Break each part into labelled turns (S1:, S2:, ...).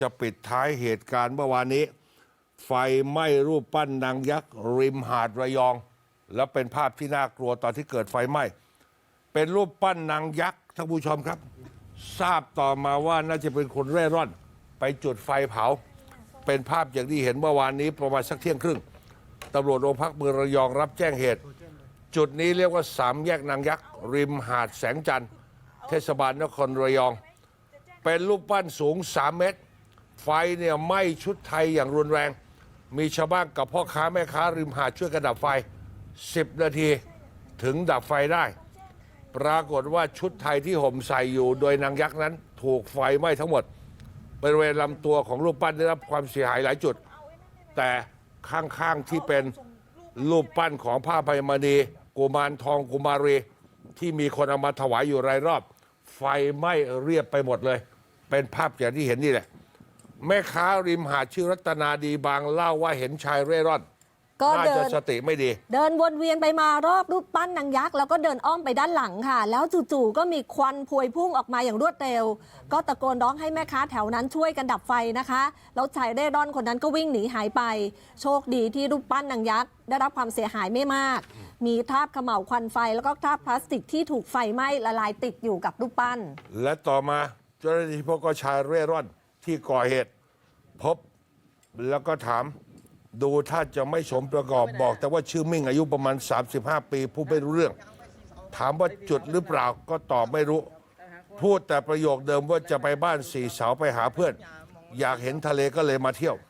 S1: จะปิดท้ายเหตุการณ์เมื่อวานนี้ไฟไหม้รูปปั้นนางยักษ์ริมหาดระยอง แล้วเป็นภาพที่น่ากลัวตอนที่เกิดไฟไหม้เป็นรูปปั้นนางยักษ์ท่านผู้ชมครับทราบต่อมาว่าน่าจะเป็นคนเร่ร่อนไปจุดไฟเผาเป็นภาพอย่างที่เห็นเมื่อวานนี้ประมาณสักเที่ยงครึ่งตำรวจโรงพักเมืองระยองรับแจ้งเหตุ จุดนี้เรียกว่าสามแยกนางยักษ์ริมหาดแสงจันทร์เทศบาลนครระยองเป็นรูปปั้นสูง3 เมตรไฟเนี่ยไหม้ชุดไทยอย่างรุนแรงมีชาวบ้านกับพ่อค้าแม่ค้าริมหาดช่วยกันดับไฟ10 นาทีถึงดับไฟได้ปรากฏว่าชุดไทยที่ห่มใส่อยู่โดยนางยักษ์นั้นถูกไฟไหม้ทั้งหมดบริเวณลำตัวของรูปปั้นได้รับความเสียหายหลายจุดแต่ข้างๆที่เป็นรูปปั้นของพระอภัยมณีกุมารทองกุมารีที่มีคนเอามาถวายอยู่รายรอบไฟไหม้เรียบไปหมดเลยเป็นภาพอย่างที่เห็นนี่แหละแม่ค้าริมหาดชื่อรัตนาดีบางเล่าว่าเห็นชายเร่ร่อนน่าจะสติไม่ดี
S2: เดินวนเวียนไปมารอบรูปปั้นนางยักษ์แล้วก็เดินอ้อมไปด้านหลังค่ะแล้วจู่ๆก็มีควันพวยพุ่งออกมาอย่างรวดเร็วก็ตะโกนร้องให้แม่ค้าแถวนั้นช่วยกันดับไฟนะคะแล้วชายเร่ร่อนคนนั้นก็วิ่งหนีหายไปโชคดีที่รูปปั้นนางยักษ์ได้รับความเสียหายไม่มากมีคราบเขม่าวควันไฟแล้วก็คราบพลาสติกที่ถูกไฟไหม้ละลายติดอยู่กับรูปปั้น
S1: และต่อมาเจ้าหน้าที่พบก็ชายเร่ร่อนที่ก่อเหตุพบแล้วก็ถามดูถ้าจะไม่สมประกอบบอกแต่ว่าชื่อมิ่งอายุประมาณ35 ปีผู้ไม่รู้เรื่องถามว่าจุดหรือเปล่าก็ตอบไม่รู้พูดแต่ประโยคเดิมว่าจะไปบ้านสี่เสาไปหาเพื่อนอยากเห็นทะเลก็เลยมาเที่ยว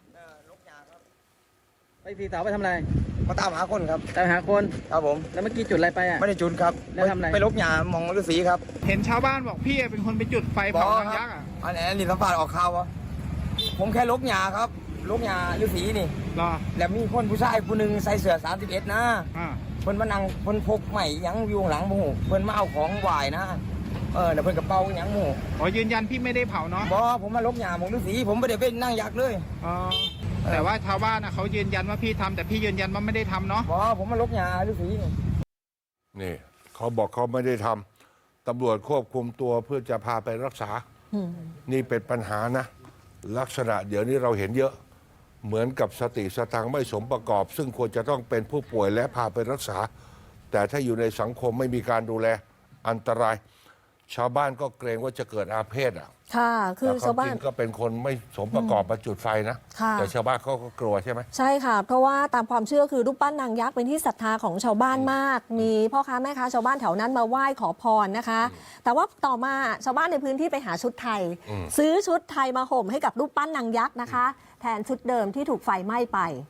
S3: ไปสี่เสาไปทำอะไร
S4: มาตามหาคนครับ
S3: ตามหาคน
S4: ครับผม
S3: แล้วเมื่อกี้จุดอะไรไปอ่ะ
S4: ไม่ได้จุดครับ
S3: แล้วทำอะไร
S4: ไปลบหญ้ามองฤาษีครับ
S5: เห็นชาวบ้านบอกพี่เป็นคนไปจุดไฟเผานางยักษ์อ่ะ
S4: อันนี้สัมภาษณ์ออกข่าววะผมแค่ลบหญ้าครับลบหญ้าฤาษีนี่
S5: รอ
S4: แล้วมีคนผู้ชายผู้หนึ่งใส่เสื้อ31นะเพิ่นมานั่งเพิ่นพกใหม่ยังอยู่ข้างหลังหมู่เพิ่นมาเอาของไหว้นะแล้วเพิ่นกระเป๋ายังหมู่
S5: อ๋อยืนยันพี่ไม่ได้เผาเนาะ
S4: บ่ผมมาลบหญ้ามองฤาษีผมไม่ได้เป็นนั่งยักษ์เลย
S5: อ๋อแต่ว่าชาวบ้านนะเขายืนยันว่าพี่ทำแต่พี่ยืนยันว่าไม่ได้ทำเนาะ
S4: บ่ผมมาลบหญ้าฤาษี
S1: นี่เขาบอกเขาไม่ได้ทำตำรวจควบคุมตัวเพื่อจะพาไปรักษานี่เป็นปัญหานะลักษณะเดี๋ยวนี้เราเห็นเยอะเหมือนกับสติสตังค์ไม่สมประกอบซึ่งควรจะต้องเป็นผู้ป่วยและพาไปรักษาแต่ถ้าอยู่ในสังคมไม่มีการดูแลอันตรายชาวบ้านก็เกรงว่าจะเกิดอาเพศ
S2: ค่ะคือชาวบ้าน
S1: ก็เป็นคนไม่สมประกอบมาจุดไฟนะแต่ชาวบ้านเขาก็กลัวใช่ไหม
S2: ใช่ค่ะเพราะว่าตามความเชื่อคือรูปปั้นนางยักษ์เป็นที่ศรัทธาของชาวบ้านมากมีพ่อค้าแม่ค้าชาวบ้านแถวนั้นมาไหว้ขอพรนะคะแต่ว่าต่อมาชาวบ้านในพื้นที่ไปหาชุดไทยซื้อชุดไทยมาห่มให้กับรูปปั้นนางยักษ์นะคะแทนชุดเดิมที่ถูกไฟไหม้ไป